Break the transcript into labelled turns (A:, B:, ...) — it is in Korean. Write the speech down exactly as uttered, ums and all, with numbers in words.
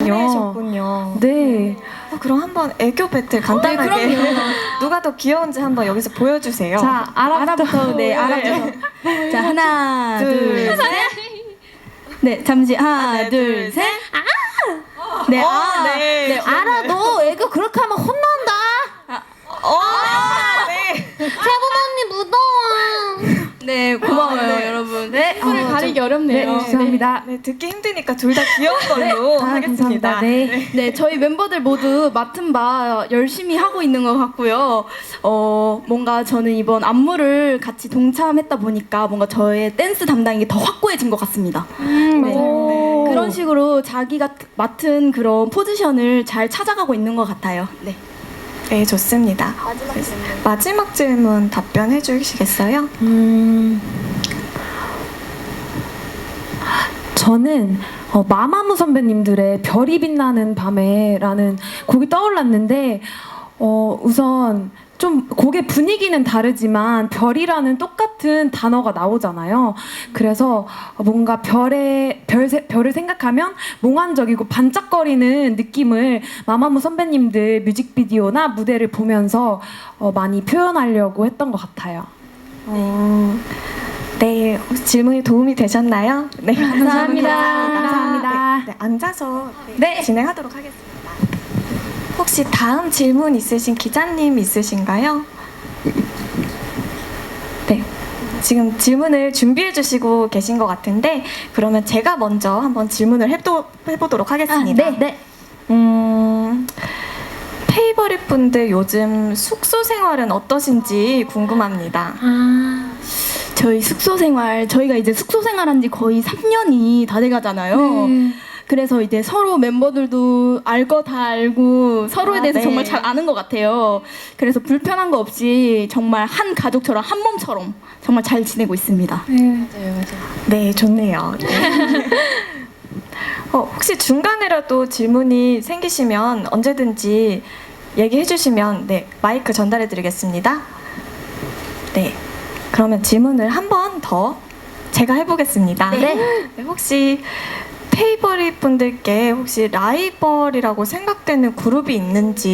A: 막내셨군요.
B: 네.
A: 어, 그럼 한번 애교 배틀 간단하게
C: 네,
A: 누가 더 귀여운지 한번 여기서 보여주세요.
B: 자, 아라부터.
C: 네, 아라부터. 자, 하나,
A: 둘,
C: 둘, 셋. 네, 잠시 하나,
A: 하나,
C: 둘,
A: 둘,
C: 셋. 아! 네,
A: 어,
C: 아,
A: 네.
C: 네, 알아, 너 애교 그렇게 하면 혼난다.
A: 어, 네.
C: 세분 언니 무더워. 네, 고마워요,
A: 아, 네.
C: 여러분. 네,
B: 손을
C: 어,
B: 가리기
C: 좀-
B: 어렵네요.
C: 네, 죄송합니다.
A: 네, 듣기 힘드니까 둘 다 귀여운 걸로
B: 아,
A: 하겠습니다.
B: 감사합니다. 네.
C: 네, 저희 멤버들 모두 맡은 바 열심히 하고 있는 것 같고요. 어, 뭔가 저는 이번 안무를 같이 동참했다 보니까 뭔가 저의 댄스 담당이 더 확고해진 것 같습니다.
A: 음,
C: 네.
A: 맞아요. 네.
C: 그런 식으로 자기가 맡은 그런 포지션을 잘 찾아가고 있는 것 같아요. 네.
A: 네, 좋습니다. 마지막 질문. 마지막 질문 답변해 주시겠어요?
B: 음, 저는 어, 마마무 선배님들의 별이 빛나는 밤에라는 곡이 떠올랐는데 어, 우선 좀 곡의 분위기는 다르지만 별이라는 똑같은 단어가 나오잖아요. 그래서 뭔가 별의 별, 별을 생각하면 몽환적이고 반짝거리는 느낌을 마마무 선배님들 뮤직비디오나 무대를 보면서 어, 많이 표현하려고 했던 것 같아요.
A: 어, 네, 혹시 질문이 도움이 되셨나요? 네,
C: 감사합니다.
B: 감사합니다.
A: 네, 네, 앉아서
C: 네.
A: 진행하도록 하겠습니다. 혹시 다음 질문 있으신 기자님 있으신가요? 네, 지금 질문을 준비해 주시고 계신 것 같은데 그러면 제가 먼저 한번 질문을 해도, 해보도록 하겠습니다.
C: 아, 네, 네.
A: 음, 페이버릿 분들 요즘 숙소 생활은 어떠신지 궁금합니다.
C: 아, 저희 숙소 생활, 저희가 이제 숙소 생활한 지 거의 삼 년이 다 돼가잖아요.
B: 네.
C: 그래서 이제 서로 멤버들도 알 거 다 알고 서로에
A: 아,
C: 대해서
A: 네.
C: 정말 잘 아는 것 같아요. 그래서 불편한 거 없이 정말 한 가족처럼 한 몸처럼 정말 잘 지내고 있습니다.
A: 네, 좋네요. 네. 어, 혹시 중간에라도 질문이 생기시면 언제든지 얘기해 주시면 네, 마이크 전달해 드리겠습니다. 네, 그러면 질문을 한 번 더 제가 해보겠습니다.
C: 네.
A: 네, 혹시 페이버릿 분들께 혹시 라이벌이라고 생각되는 그룹이 있는지